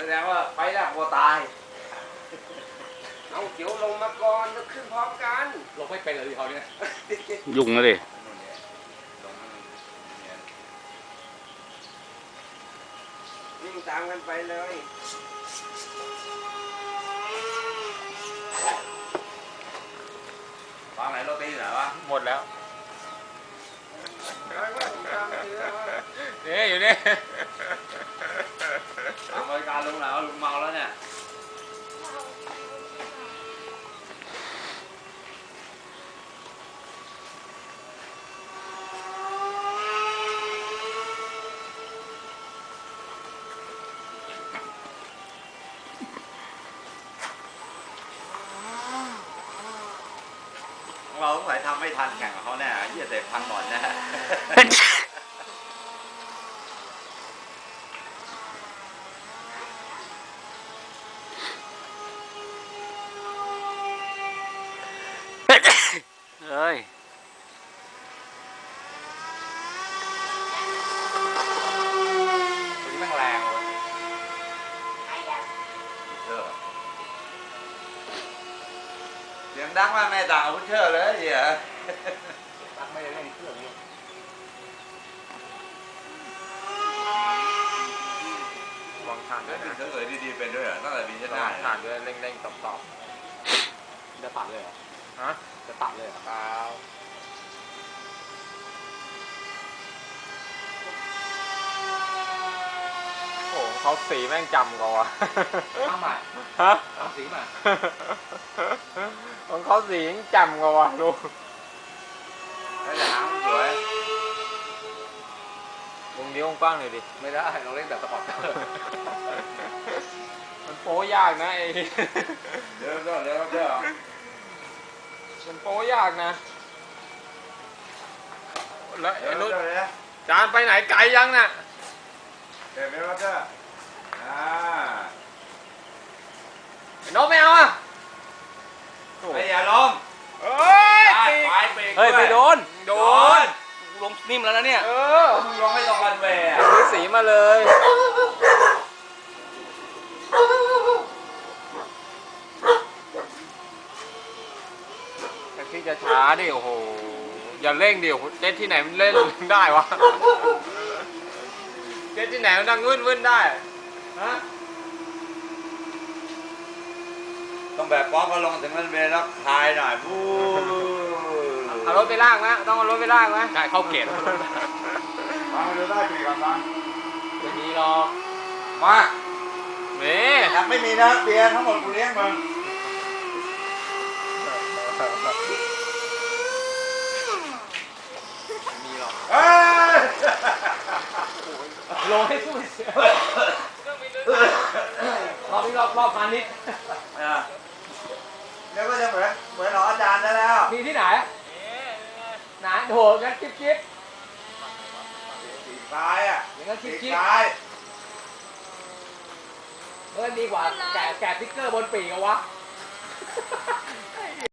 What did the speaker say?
ดงว่าไปแล้วกลัวตายเอาเดี๋ยวลงมาก่อนแล้วขึ้นพร้อมกันลงไม่เป็นเลยเขาเนี่ยยุ่งแล้วดิวิ่งตามกันไปเลยวางไหนโรตีไหนวะหมดแล้วนี่อยู่นี่ทำบริการลุงแล้วลุงเมาแล้วเนี่ยเราต้องไหนทำไม่ทันแข่งกับเขาแน่ยี่สิบพันก่อนแน่เฮ้ยตัวนี้แม่งแรงเลยเสียงดังมากแม่ด่าพุชเชอร์เลยเหี้ยดังไม่ได้เล่นเครื่องนี้วางฐานด้วยนะเฉยๆดีๆเป็นด้วยเหรอตั้งแต่บินจะได้ฐานด้วยเร่งๆตอบจะตัดเลยเหรอฮะจะตัดเลยเหรอเปล่าโอ้เขาสีแม่งจำกว่าทำใหม่ฮะทำสีใหม่ของเขาสียังจำกว่าลูกแล้วจะหางสวยวงนี้วงกว้างหน่อยดิไม่ได้เราเล่นแบบสปอร์ตมันโป้ยากนะไอ้เดี๋ยวมันโป้ยากนะแล้วไอ้นุชจานไปไหนไกลยังน่ะเดี๋ยวไม่รับเด้อไอ้นกไม่เอาอ่ะไม่อย่าลงเฮ้ยเฮ้ยไปโดนลงนิ่มแล้วนะเนี่ยมึงลงไม่ลงรันเวย์ซื้อสีมาเลยที่จะช้าดิโอ้โหอย่าเร่งดิเล่นที่ไหนมันเล่นได้วะเล่นที่ไหนมันดังวื่นได้ฮะต้องแบบป๊อกก็ลงถึงรันเวย์แล้วคลายหน่อยบู๊เอารถไปลากนะต้องเอารถไปลากนะใช่เข้าเกตฟังดูได้ปีกันฟังไม่มีหรอกมายังไม่มีนะเบียร์ทั้งหมดกูเลี้ยงมึงมีหรอกลงให้สู้เสียรอบนี้รอบพาณิชย์เดี๋ยวก็จะเหมือนหรออาจารย์ได้แล้วมีที่ไหนไหนโหงั้นจิ๊บสีซ้ายอ่ะอย่างนั้นจิ๊บซ้ายดีกว่าแกะติ๊กเกอร์บนปีกเอาวะ